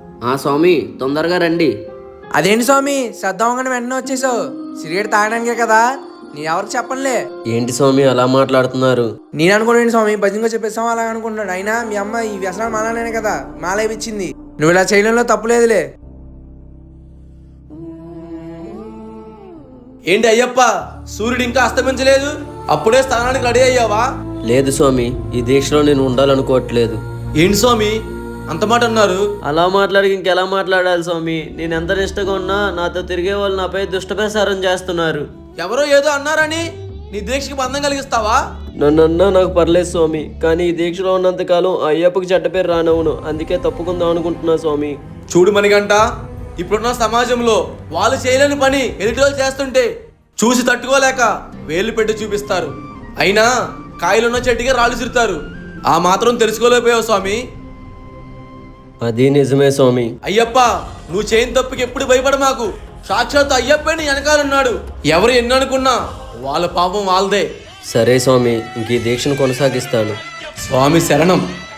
స్వామి తొందరగా రండి. అదేంటి స్వామి శ్రద్ధవంగానే వెంటనే వచ్చేసావు? సిగరెట్ తాగడానికే కదా, నీ ఎవరికి చెప్పనులే. ఏంటి స్వామి అలా మాట్లాడుతున్నారు? నేను అనుకున్నాను స్వామి భజనగా చెప్పేస్తాం అలా అనుకుంటున్నాడు. అయినా మీ అమ్మ ఈ వ్యసనాలు మాలనే కదా మాలేపించింది. నువ్వు ఇలా చేయడంలో తప్పులేదులే. ఏంటి అయ్యప్ప, సూర్యుడు ఇంకా అస్తమించలేదు, అప్పుడే స్థానానికి రెడీ అయ్యావా? లేదు స్వామి, ఈ దీక్షలో నేను ఉండాలనుకోవట్లేదు. ఏంటి స్వామి అంత మాట అన్నారు? అలా మాట్లాడి ఇంకెలా మాట్లాడాలి స్వామి? నేను ఎంత నిష్టగా ఉన్నా నాతో తిరిగే వాళ్ళు నాపై దుష్టప్రసారం చేస్తున్నారు. ఎవరో ఏదో అన్నారని నీ దీక్షకి బంధం కలిగిస్తావా? నన్నన్నా నాకు పర్లేదు స్వామి, కానీ ఈ దీక్షలో ఉన్నంతకాలం ఆ అయ్యప్పకి చెడ్డ పేరు రానవును. అందుకే తప్పుకుందాం అనుకుంటున్నా స్వామి. చూడు మణిగంట, ఇప్పుడున్న సమాజంలో వాళ్ళు చేయలేని పని ఎదుటి వాళ్ళు చేస్తుంటే చూసి తట్టుకోలేక వేలు పెట్టి చూపిస్తారు. అయినా కాయలున్న చెట్టుగా రాళ్ళు చిరుతారు. ఆ మాత్రం తెలుసుకోలేకపోయావు స్వామి. అది నిజమే స్వామి. అయ్యప్ప, నువ్వు చేయని తప్పుకి ఎప్పుడు భయపడ మాకు. సాక్షాత్ అయ్యప్పే నీ వెనకాలన్నాడు. ఎవరు ఎన్ని అనుకున్నా వాళ్ళ పాపం వాళ్ళదే. సరే స్వామి, ఇంక ఈ దీక్షను కొనసాగిస్తాను. స్వామి శరణం.